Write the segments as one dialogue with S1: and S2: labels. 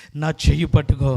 S1: నా చెయ్యి పట్టుకో.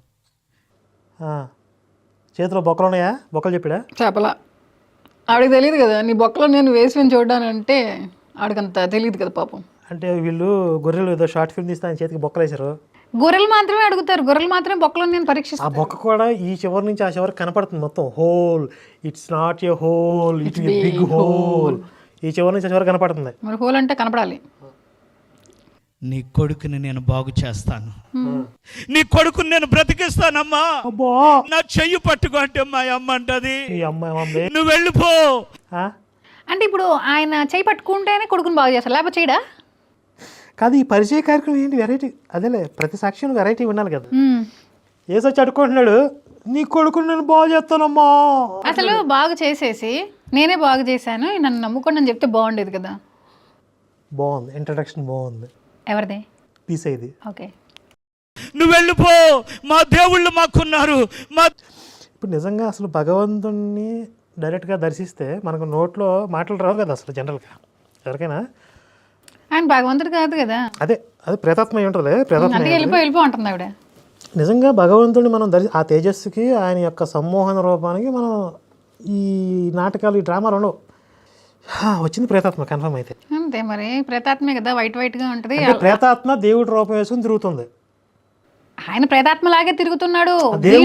S2: చేతిలో బొక్కలు ఉన్నాయా? బొక్కలు చెప్పాడా?
S3: చెప్పలా. ఆవిడకి తెలియదు కదా నీ బొక్కలో నేను వేసుకొని చూడడానంటే, ఆవిడకంత తెలియదు కదా పాపం.
S2: అంటే వీళ్ళు గొర్రెలు ఏదో షార్ట్ ఫిల్మ్ తీస్తే ఆయన చేతికి బొక్కలు వేశారు.
S3: గొర్రెలు మాత్రమే అడుగుతారు, గొర్రెలు మాత్రమే బొక్కలో నేను
S2: ఆ
S3: పరీక్షిస్తాను.
S2: బొక్క కూడా ఈ చివరి నుంచి ఆ చివరికి కనపడుతుంది మొత్తం. Hole, it's not a hole, it is big hole. ఈ చివరి నుంచి ఆ చివరి కనపడుతుంది.
S3: మరి హోల్ అంటే కనపడాలి.
S1: నీ కొడుకుని నేను బాగు చేస్తాను, నీ కొడుకుని నేను బ్రతికిస్తానమ్మా, నా చెయ్యి పట్టుకో అంటే మా అమ్మ అంటది, నువ్వు వెళ్ళిపో.
S3: అంటే ఇప్పుడు ఆయన చెయ్యి పట్టుకుంటేనే కొడుకుని బాగు చేస్తారు, లేకపోతే చేయడా?
S2: కాదు, ఈ పరిచయ కార్యక్రమం ఏంటి వెరైటీ? అదేలే, ప్రతి సాక్ష్యం వెరైటీ ఉండాలి కదా. ఏసో అడుక్కుంటున్నాడు, నీ కొడుకుని నేను బాగు చేస్తానమ్మా.
S3: అసలు బాగు చేసేసి నేనే బాగు చేశాను నన్ను నమ్ముకోండి అని చెప్తే బాగుండేది కదా.
S2: బాగుంది, ఇంట్రడక్షన్ బాగుంది.
S3: ఎవరిది?
S2: పీస్ ఇది.
S3: ఓకే,
S1: నువ్వు వెళ్ళిపో, మా దేవుళ్ళు మాకున్నారు.
S2: ఇప్పుడు నిజంగా అసలు భగవంతుణ్ణి డైరెక్ట్గా దర్శిస్తే మనకు నోట్లో మాటలు రావు కదా అసలు జనరల్గా ఎవరికైనా.
S3: ఆయన భగవంతుడు కాదు కదా.
S2: అదే ప్రేతాత్మ ఉంటుంది. ప్రేతాత్మ
S3: వెళ్ళిపో అంటుంది ఆవిడ.
S2: నిజంగా భగవంతుడిని మనం ఆ తేజస్సుకి, ఆయన యొక్క సమ్మోహన రూపానికి మనం ఈ నాటకాలు, ఈ డ్రామాలు ఉండవు. వచ్చింది ప్రేతాత్మ కన్ఫర్మ్ అయితే.
S3: అంతే మరి, ప్రేతాత్మే కదా, వైట్ గా ఉంటుంది.
S2: ప్రేతాత్మ దేవుడి రూపం వేసుకుని తిరుగుతుంది.
S3: ఆయన ప్రేతాత్మలాగే తిరుగుతున్నాడు.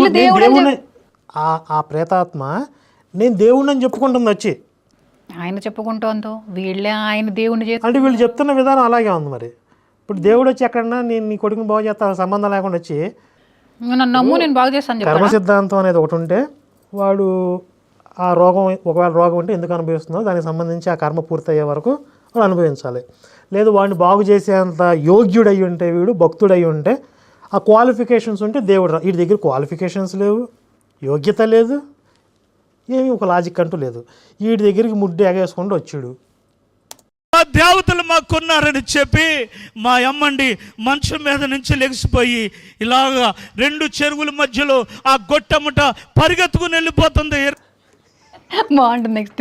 S2: ఆ ప్రేతాత్మ నేను దేవుడిని అని చెప్పుకుంటుంది వచ్చి.
S3: ఆయన చెప్పుకుంటోందో వీళ్ళే ఆయన దేవుడిని చేసి,
S2: అంటే వీళ్ళు చెప్తున్న విధానం అలాగే ఉంది. మరి ఇప్పుడు దేవుడు వచ్చి ఎక్కడన్నా నేను నీ కొడుకుని బాగు చేస్తాను సంబంధం లేకుండా వచ్చి
S3: నన్ను నమ్ము నేను బాగు చేస్తాను.
S2: కర్మ సిద్ధాంతం అనేది ఒకటి ఉంటే వాడు ఆ రోగం, ఒకవేళ రోగం ఉంటే ఎందుకు అనుభవిస్తుందో దానికి సంబంధించి ఆ కర్మ పూర్తయ్యే వరకు వాడు అనుభవించాలి. లేదు వాడిని బాగు చేసేంత యోగ్యుడై ఉంటే, వీడు భక్తుడై ఉంటే, ఆ క్వాలిఫికేషన్స్ ఉంటే దేవుడు. వీడి దగ్గర క్వాలిఫికేషన్స్ లేవు, యోగ్యత లేదు, ఏమీ ఒక లాజిక్ అంటూ లేదు. వీడి దగ్గరికి ముడ్డు ఎగేసుకుంటూ వచ్చాడు.
S1: మా దేవతలు మాకున్నారని చెప్పి మా అమ్మండి మంచం మీద నుంచి లెగిసిపోయి ఇలాగా 2 చెరువుల మధ్యలో ఆ గొట్టముట పరిగెత్తుకుని వెళ్ళిపోతుంది.
S3: బాగుంటుంది. నెక్స్ట్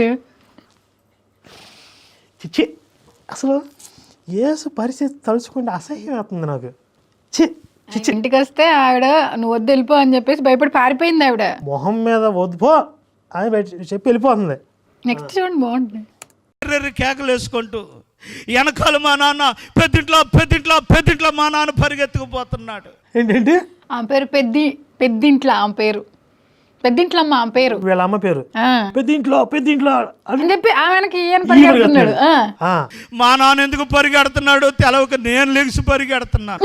S2: చిచ్చి, అసలు యేసు పరిస్థితి తలుచుకుంటే అసహ్యం అవుతుంది నాకు.
S3: ఇంటికి వస్తే ఆవిడ నువ్వు వద్దు వెళ్ళిపో అని చెప్పేసి భయపడి పారిపోయింది ఆవిడ.
S2: మొహం మీద వద్దుపో అని చెప్పి వెళ్ళిపోతుంది.
S3: నెక్స్ట్ చూడండి, బాగుంటుంది.
S1: కేకలు వేసుకుంటూ వెనకాల మా నాన్న పెద్దింట్లో మా నాన్న పరిగెత్తుకుపోతున్నాడు.
S2: ఏంటంటే
S3: ఆమె పేరు పెద్దింట్లో, ఆమె పేరు పెద్దింట్లమ్మ, ఆమె పేరు,
S2: వీళ్ళ అమ్మ పేరు పెద్దింట్లో
S3: అని చెప్పి ఆమెకి ఈయన పరిగెడుతున్నాడు.
S1: మా నాన్న ఎందుకు పరిగెడుతున్నాడు తెలవక నేను లెగిసి పరిగెడుతున్నాను.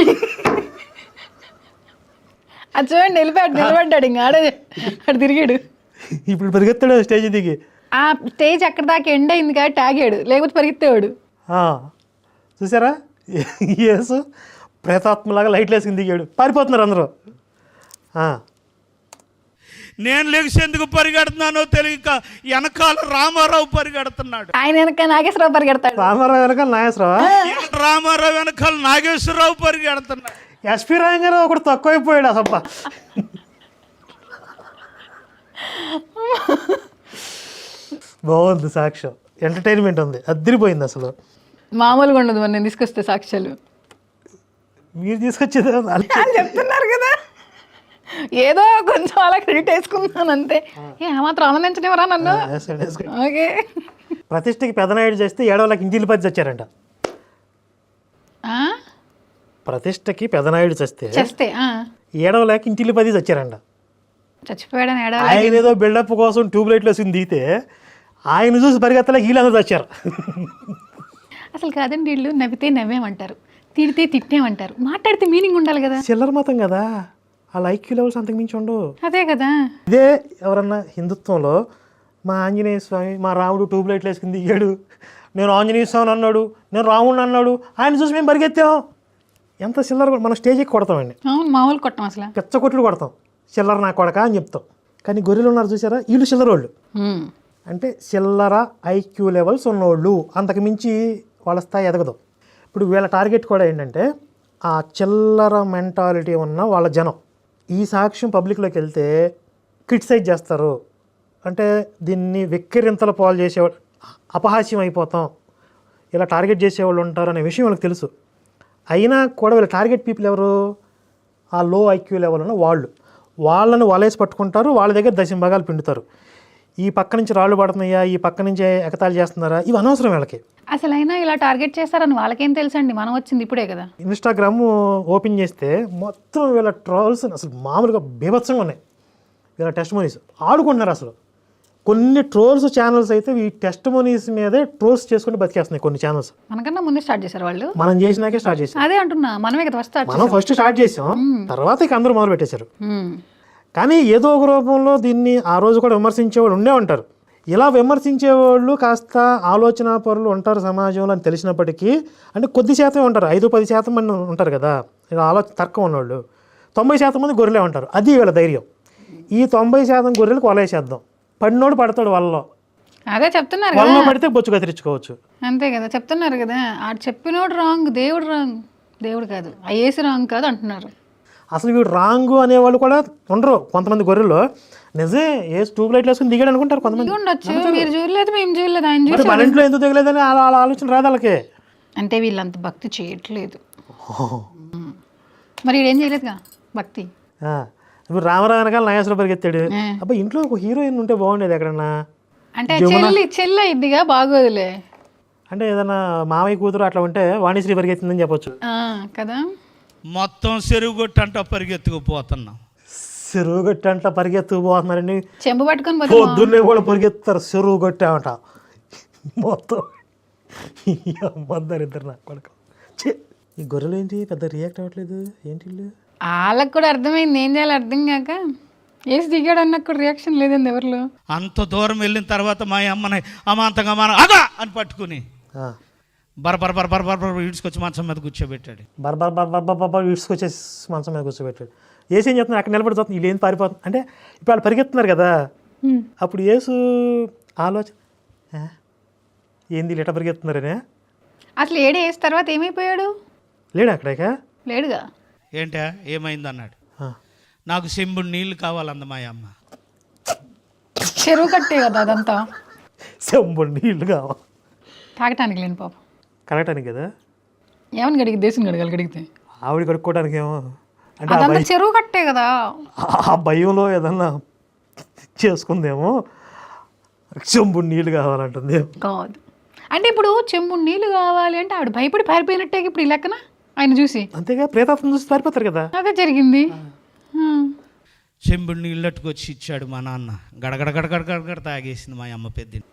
S3: అది చూడండి, నిలబడ్డాడు ఇంకా ఆడ తిరిగాడు.
S2: ఇప్పుడు పరిగెత్తాడు స్టేజ్ దిగి.
S3: ఆ స్టేజ్ అక్కడ దాకా ఎండ్ అయింది కాబట్టి ఆగాడు, లేకపోతే పరిగెత్తేవాడు.
S2: చూసారా, యేసు ప్రేతాత్మలాగా లైట్లు వేసుకుని దిగాడు. పారిపోతున్నారు అందరూ.
S1: నేను లెగిసి ఎందుకు పరిగెడుతున్నానో తెలియక వెనకాల రామారావు పరిగెడుతున్నాడు.
S3: ఆయన వెనక నాగేశ్వరరావు పరిగెడతాడు.
S2: రామారావు వెనకాల
S1: రామారావు వెనకాల నాగేశ్వరరావు పరిగెడుతున్నాడు.
S2: ఎస్పీ రాయంగారావు ఒకటి తక్కువైపోయాడు అసలు. బాగుంది సాక్ష్యం, ఎంటర్టైన్మెంట్ ఉంది, అదిరిపోయింది అసలు.
S3: మామూలుగా ఉండదు మరి నేను తీసుకొస్తే సాక్ష్యాలు.
S2: మీరు తీసుకొచ్చేది
S3: చెప్తున్నారు కదా, ఏదో కొంచెం అలా క్రెడిట్ వేసుకున్నాను అంతే. మాత్రం ఆనందించనివరా నన్ను. ఓకే,
S2: ప్రతిష్టకి పెదనాయుడు చేస్తే 7 ఇంటిల్లి పది చచ్చారంట. ప్రతిష్టకి పెదనాయుడు చేస్తే 7 ఇంటిల్లి 10 చచ్చారంట.
S3: చచ్చిపోయాడు.
S2: ఆయన ఏదో బిల్డప్ కోసం ట్యూబ్ లైట్లు వేసుకుని దిగితే ఆయన చూసి పరిగెత్తలేక వీళ్ళందరూ చచ్చారు.
S3: అసలు కాదండి, వీళ్ళు నవ్వితే నవ్వేమంటారు, తిడితే తిట్టేమంటారు, మాట్లాడితే మీనింగ్ ఉండాలి కదా.
S2: చిల్లర మతం కదా, ఆ ఐక్యూ లెవెల్స్ అంతకు మించి ఉండవు.
S3: అదే కదా.
S2: ఇదే ఎవరన్నా హిందుత్వంలో మా ఆంజనేయ స్వామి, మా రాముడు ట్యూబ్ లైట్లు వేసుకుని దిగాడు, నేను ఆంజనేయ స్వామి అన్నాడు, నేను రాముడిని అన్నాడు, ఆయన చూసి మేము పరిగెత్తాం. ఎంత చిల్లర, మనం స్టేజ్ ఎక్కి కొడతామండి.
S3: అవును, మామూలు కొట్టం, అసలు
S2: పెచ్చ కొట్లు కొడతాం, చిల్లర నా కొడక అని చెప్తాం. కానీ గొర్రెలు ఉన్నారు చూసారా, వీళ్ళు చిల్లర వాళ్ళు. అంటే చిల్లర ఐక్యూ లెవెల్స్ ఉన్నోళ్ళు, అంతకు మించి వాళ్ళ స్థాయి ఎదగదు. ఇప్పుడు వీళ్ళ టార్గెట్ కూడా ఏంటంటే ఆ చిల్లర మెంటాలిటీ ఉన్న వాళ్ళ జనం. ఈ సాక్ష్యం పబ్లిక్లోకి వెళ్తే క్రిటిసైజ్ చేస్తారు, అంటే దీన్ని వెక్కిరింతల పాలు చేసేవాళ్ళు, అపహాస్యం అయిపోతాం, ఇలా టార్గెట్ చేసేవాళ్ళు ఉంటారు అనే విషయం వాళ్ళకి తెలుసు. అయినా కూడా వీళ్ళ టార్గెట్ పీపుల్ ఎవరు? ఆ లో ఐక్యూ లెవెల్ ఉన్న వాళ్ళని వలేసి పట్టుకుంటారు, వాళ్ళ దగ్గర దశంభాగాలు పిండుతారు. ఈ పక్క నుంచి రాళ్ళు పడుతున్నాయా, ఈ పక్క నుంచి ఎగతాళి చేస్తున్నారా, ఇవి అనవసరం వీళ్ళకి.
S3: అసలు అయినా ఇలా టార్గెట్ చేస్తారని వాళ్ళకేం తెలుసండి, మనం వచ్చింది ఇప్పుడే కదా.
S2: ఇన్స్టాగ్రామ్ ఓపెన్ చేస్తే మొత్తం వీళ్ళ ట్రోల్స్ అసలు మామూలుగా బీభత్సంగా ఉన్నాయి. వీళ్ళ టెస్టిమోనీస్ ఆడుకుంటున్నారు అసలు. కొన్ని ట్రోల్స్ ఛానల్స్ అయితే ఈ టెస్టిమోనీస్ మీదే ట్రోల్స్ చేసుకుని బతికేస్తున్నాయి కొన్ని ఛానల్స్.
S3: మనకన్నా ముందే స్టార్ట్ చేశారు వాళ్ళు.
S2: మనం చేసినాకే స్టార్ట్ చేసాం.
S3: అదే అంటున్నా, మనమే కదా ఫస్ట్
S2: మనం ఫస్ట్ స్టార్ట్ చేసాం, తర్వాత ఇక అందరూ మొదలు పెట్టేశారు. కానీ ఏదో ఒక రూపంలో దీన్ని ఆ రోజు కూడా విమర్శించేవాళ్ళు ఉండే ఉంటారు. ఇలా విమర్శించేవాళ్ళు కాస్త ఆలోచన పరులు ఉంటారు సమాజంలో అని తెలిసినప్పటికీ, అంటే కొద్ది శాతం ఉంటారు, 5-10% మంది ఉంటారు కదా ఇలా తర్కం ఉన్నవాళ్ళు. 90% మంది గొర్రెలే ఉంటారు. అది వీళ్ళ ధైర్యం. ఈ 90% గొర్రెలకు వలేసేద్దాం, పడినోడు పడతాడు వాళ్ళలో.
S3: అదే చెప్తున్నారు
S2: వాళ్ళలో పడితే బొచ్చు కత్తిరించుకోవచ్చు.
S3: అంతే కదా చెప్తున్నారు కదా. ఆడు చెప్పినోడు రాంగ్, దేవుడు రాంగ్, దేవుడు కాదు ఐఏసీ రాంగ్ కాదు అంటున్నారు.
S2: అసలు వీడు రాంగు అనేవాళ్ళు కూడా ఉండరు. కొంతమంది గొర్రెలు నిజమే ఏ ట్యూబ్ లైట్లు వేసుకుని దిగాడు అనుకుంటారు కొంతమంది.
S3: ఉండొచ్చు, మీరు చూడలేదు, మేము చూడలేదు, ఆయన చూసి
S2: మన ఇంట్లో ఎందుకు దిగలేదని అలా ఆలోచన రాదు వాళ్ళకి.
S3: అంటే వీళ్ళంత భక్తి చేయట్లేదు. మరి వీడేం చేయలేదుగా భక్తి.
S2: ఇప్పుడు రామరావు వెనకాల నాగేశ్వర పరిగెత్తాడు. అబ్బా ఇంట్లో ఒక హీరోయిన్ ఉంటే బాగుండేది ఎక్కడన్నా.
S3: అంటే చెల్లి ఇదిగా బాగోదులే.
S2: అంటే ఏదైనా మామయ్య కూతురు అట్లా ఉంటే వాణిశ్రీ పరిగెత్తిందని చెప్పొచ్చు
S3: కదా.
S1: మొత్తం చెరువు గొట్టంట పరిగెత్తుకుపోతున్నాం.
S2: చెరువు గట్టి అంట పరిగెత్తుకుపోతున్నారండి.
S3: చెంబు పట్టుకొని
S2: పొద్దున్నే కూడా పరిగెత్తారు చెరువు గట్టి అంట. మొత్తం ఇద్దరు నాకు కొడుకు. ఈ గొర్రెలు ఏంటి పెద్ద రియాక్ట్ అవ్వట్లేదు ఏంటి?
S3: వాళ్ళకి కూడా అర్థమైంది, ఏం చేయాలి అర్థం కాక వేసి దిగాడు అన్నకు కూడా రియాక్షన్ లేదండి ఎవరిలో.
S1: అంత దూరం వెళ్ళిన తర్వాత మా అమ్మని అమాంతంగా మన అగా అని పట్టుకుని బర ఈడ్చుకొచ్చి మంచం మీద కూర్చోబెట్టాడు.
S2: బర్ ఈడ్చుకొచ్చేసి మంచం మీద కూర్చోబెట్టాడు. ఏసు ఏం చెప్తున్నారు, అక్కడ నిలబడి చూస్తుంది, వీళ్ళు ఏం పారిపోతుంది అంటే ఇప్పుడు వాళ్ళు పరిగెత్తున్నారు కదా. అప్పుడు ఏసు ఆలోచన ఏంది ఇట్లా పరిగెత్తున్నారనే.
S3: అసలు ఏడు వేసిన తర్వాత ఏమైపోయాడు?
S2: లేడు అక్కడక
S3: లేడుగా.
S1: ఏంటా ఏమైంది అన్నాడు. నాకు చెంబుడు నీళ్ళు కావాలంద మా అమ్మ.
S3: చెరువు కట్టే కదా అదంతా,
S2: చెంబుడు నీళ్ళు కావాలి
S3: తాగటానికి లేని పాపం,
S2: కడగటానికి కదా.
S3: ఏమని గడిగి దేశం గడగాలి గడిగితే
S2: ఆవిడ కడుక్కోవడానికి ఏమో అంటే
S3: అదంతా చెరువు కట్టే కదా.
S2: ఆ భయంలో ఏదన్నా చేసుకుందేమో, చెంబుడు నీళ్ళు కావాలంటుంది
S3: కాదు. అంటే ఇప్పుడు చెంబుడు నీళ్ళు కావాలి అంటే ఆవిడ భయపడి పారిపోయినట్టే ఇప్పుడు ఈ లెక్కన ఆయన చూసి.
S2: అంతేగా ప్రేతాత్మ చూసి పారిపోతారు కదా.
S3: అదే జరిగింది.
S1: చెంబుడు నీళ్ళు అట్టుకొచ్చి ఇచ్చాడు మా నాన్న. గడగడ గడగడ గడగడ తాగేసింది మా అమ్మ పెద్ద.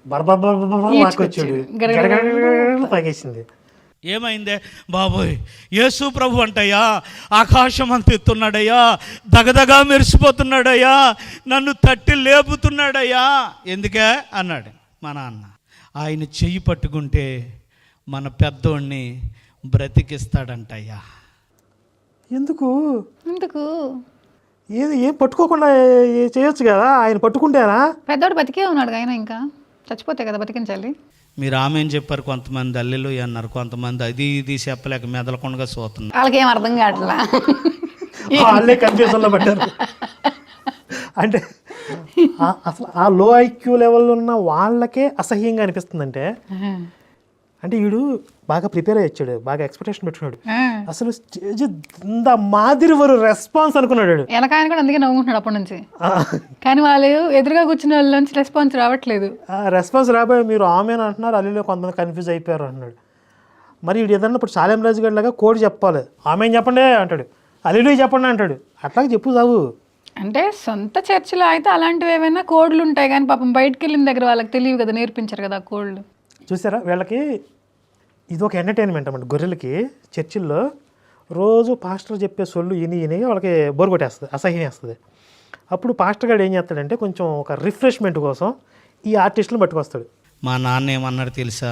S2: తాగేసింది.
S1: ఏమైందే బాబోయ్, యేసు ప్రభు అంటయ్యా ఆకాశం అంత ఎత్తున్నాడయ్యా, దగదగా మెరిసిపోతున్నాడయ్యా, నన్ను తట్టి లేపుతున్నాడయ్యా. ఎందుకే అన్నాడు మా నాన్న. ఆయన చెయ్యి పట్టుకుంటే మన పెద్దోడిని బ్రతికిస్తాడంటయ్యా.
S2: ఎందుకు
S3: ఎందుకు
S2: ఏం పట్టుకోకుండా చేయొచ్చు కదా, ఆయన పట్టుకుంటేనా.
S3: పెద్దోడు బతికే ఉన్నాడు, ఆయన ఇంకా చచ్చిపోతే కదా బతికించాలి.
S1: మీరు ఆమె చెప్పారు, కొంతమంది అల్లెలు అన్నారు, కొంతమంది అది ఇది చెప్పలేక మెదలకుండా చూస్తున్నారు.
S3: వాళ్ళకి ఏం అర్థం కావట్లా,
S2: వాళ్ళే కన్ఫ్యూజన్లో పడ్డారు. అంటే అసలు ఆ లో ఐక్యూ లెవెల్లో ఉన్న వాళ్ళకే అసహ్యంగా అనిపిస్తుందంటే, అంటే వీడు బాగా ప్రిపేర్ అయ్యాడు, బాగా ఎక్స్పెక్టేషన్ పెట్టుకున్నాడు. అసలు స్టేజ్ ఇంత మాదిరి వరు రెస్పాన్స్ అనుకున్నాడు.
S3: ఎనకాయన కూడా అందుకే నవ్వుకుంటున్నాడు అప్పటి నుంచి. కానీ వాళ్ళు ఎదురుగా కూర్చున్న వాళ్ళ నుంచి రెస్పాన్స్ రావట్లేదు.
S2: రెస్పాన్స్ రాబోయే మీరు ఆమెను అంటున్నారు, అల్లులో కొంతమంది కన్ఫ్యూజ్ అయిపోయారు అంటున్నాడు. మరి వీడు ఏదన్నా ఇప్పుడు సాలెం రాజు గారి లాగా కోడ్ చెప్పాలి, ఆమె చెప్పండి అంటాడు, అల్లులు చెప్పండి అంటాడు. అట్లాగే చెప్పు సాగు.
S3: అంటే సొంత చర్చిలో అయితే అలాంటివి ఏమైనా కోడ్లు ఉంటాయి, కానీ పాపం బయటకు వెళ్ళిన దగ్గర వాళ్ళకి తెలియదు కదా, నేర్పించారు కదా కోడ్లు. చూసారా,
S2: వీళ్ళకి ఇది ఒక ఎంటర్టైన్మెంట్ అన్నమాట. గొర్రెలకి చర్చిల్లో రోజు పాస్టర్ చెప్పే సొల్లు ఇని వాళ్ళకి బోర్ కొట్టేస్తుంది, అసహ్యం వేస్తుంది. అప్పుడు పాస్టర్ గారు ఏం చేస్తాడంటే కొంచెం ఒక రిఫ్రెష్మెంట్ కోసం ఈ ఆర్టిస్టులను పట్టుకొస్తాడు.
S1: మా నాన్న ఏమన్నాడు తెలుసా,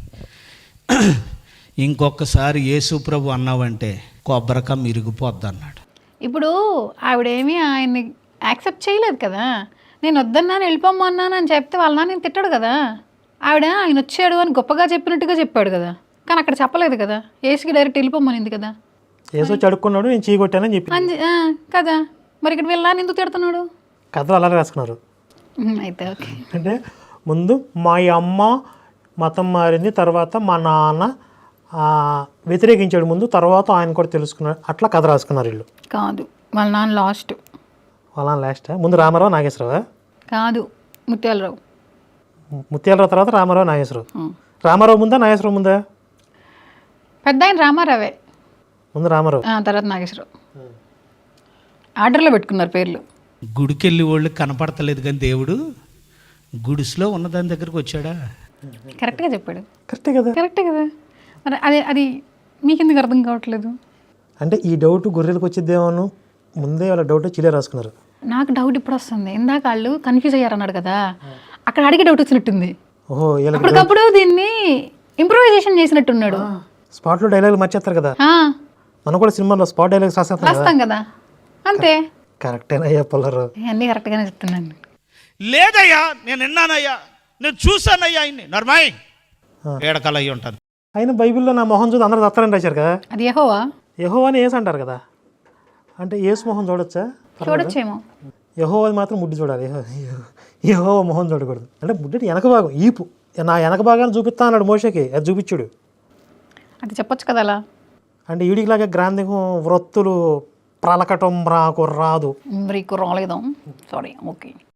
S1: ఇంకొకసారి యేసు ప్రభు అన్నావంటే కొబ్బరికా మిరిగిపోద్ది అన్నాడు.
S3: ఇప్పుడు ఆవిడేమీ ఆయన్ని యాక్సెప్ట్ చేయలేదు కదా. నేను వద్దన్నాను వెళ్ళిపోమన్నాను అని చెప్తే వాళ్ళ నాన్న నేను తిట్టాడు కదా. ఆవిడ ఆయన వచ్చాడు అని గొప్పగా చెప్పినట్టుగా చెప్పాడు కదా, కానీ అక్కడ చెప్పలేదు కదా. ఏసుకి డైరెక్ట్ వెళ్ళిపోమనింది కదా.
S2: ఏసు వచ్చి అడుక్కున్నాడు, నేను చీకొట్టానని చెప్పి
S3: కదా. మరి ఇక్కడ వెళ్ళాలని ఎందుకు తిడుతున్నాడు?
S2: కథలు అలా రాసుకున్నారు.
S3: అయితే ఓకే.
S2: అంటే ముందు మా అమ్మ మతం మారింది, తర్వాత మా నాన్న వ్యతిరేకించాడు ముందు, తర్వాత ఆయన కూడా తెలుసుకున్నాడు, అట్లా కథ రాసుకున్నారు వీళ్ళు.
S3: కాదు, వాళ్ళ నాన్న లాస్ట్.
S2: వాళ్ళ లాస్ట్ ముందు రామారావు నాగేశ్వరరావు,
S3: కాదు ముత్యాలరావు.
S2: ముత్యాలరావు తర్వాత రామారావు నాగేశ్వరరావు. రామారావు ముందా నాగేశ్వరరావు ముందా?
S3: పెద్ద ఆయన రామారావే,
S2: ముందు రామారావు
S3: తర్వాత నాగేశ్వరరావు. ఆర్డర్లో పెట్టుకున్నారు పేర్లు.
S1: గుడికెళ్ళి వాళ్ళు కనపడతలేదు కానీ దేవుడు గుడిసులో ఉన్న దాని దగ్గరకు వచ్చాడా?
S3: కరెక్ట్గా చెప్పాడు.
S2: కరెక్టే కదా.
S3: కరెక్టే కదా. మరి అది మీకు ఎందుకు అర్థం కావట్లేదు?
S2: అంటే ఈ డౌట్ గొర్రెలకు వచ్చిద్దేమో ముందే వాళ్ళ డౌట్ చిలే రాసుకున్నారు.
S3: నాకు డౌట్ ఇప్పుడు వస్తుంది. ఇందాక వాళ్ళు కన్ఫ్యూజ్ అయ్యారన్నాడు కదా, అక్కడ అడిగే డౌట్ వచ్చినట్టుంది.
S2: ఓహో,
S3: అప్పటికప్పుడు దీన్ని ఇంప్రూవైజేషన్ చేసినట్టున్నాడు.
S2: స్పాట్లో డైలాగులు మర్చేస్తారు కదా,
S3: ఆ,
S2: మనం కూడా సినిమాలో స్పాట్ డైలాగ్స్
S3: రాస్తాం కదా, అంతే.
S2: కరెక్టేనయ్యా పుల్లరు,
S3: అన్నీ కరెక్ట్గానే చెప్తున్నాను.
S1: లేదయ్యా, నేను విన్నానయ్యా, నేను చూసానయ్యా, ఆయన్ని నర్మాయి ఏడకాల అయ్యి ఉంటుంది.
S2: అయినా బైబిల్లో నా మొహం చూసి అందరూ దత్తారని రాశారు కదా.
S3: అది యెహోవా.
S2: యెహోవా అని ఏసు అంటారు కదా, అంటే ఏసు మొహం చూడొచ్చా?
S3: చూడొచ్చేమో.
S2: యెహోవాది మాత్రం ముడ్డి చూడాలి, యెహోవా మొహం చూడకూడదు. అంటే ముడ్డి వెనక భాగం, ఈపు, నా వెనక భాగాన్ని చూపిస్తా అన్నాడు మోషకి, అది చూపించుడు.
S3: అది చెప్పొచ్చు కదా అలా.
S2: అంటే ఈడికిలాగా గ్రాంధికం వృత్తులు ప్రలకటం రాకు రాదు.
S3: మీకు రాలేదా? Sorry, okay.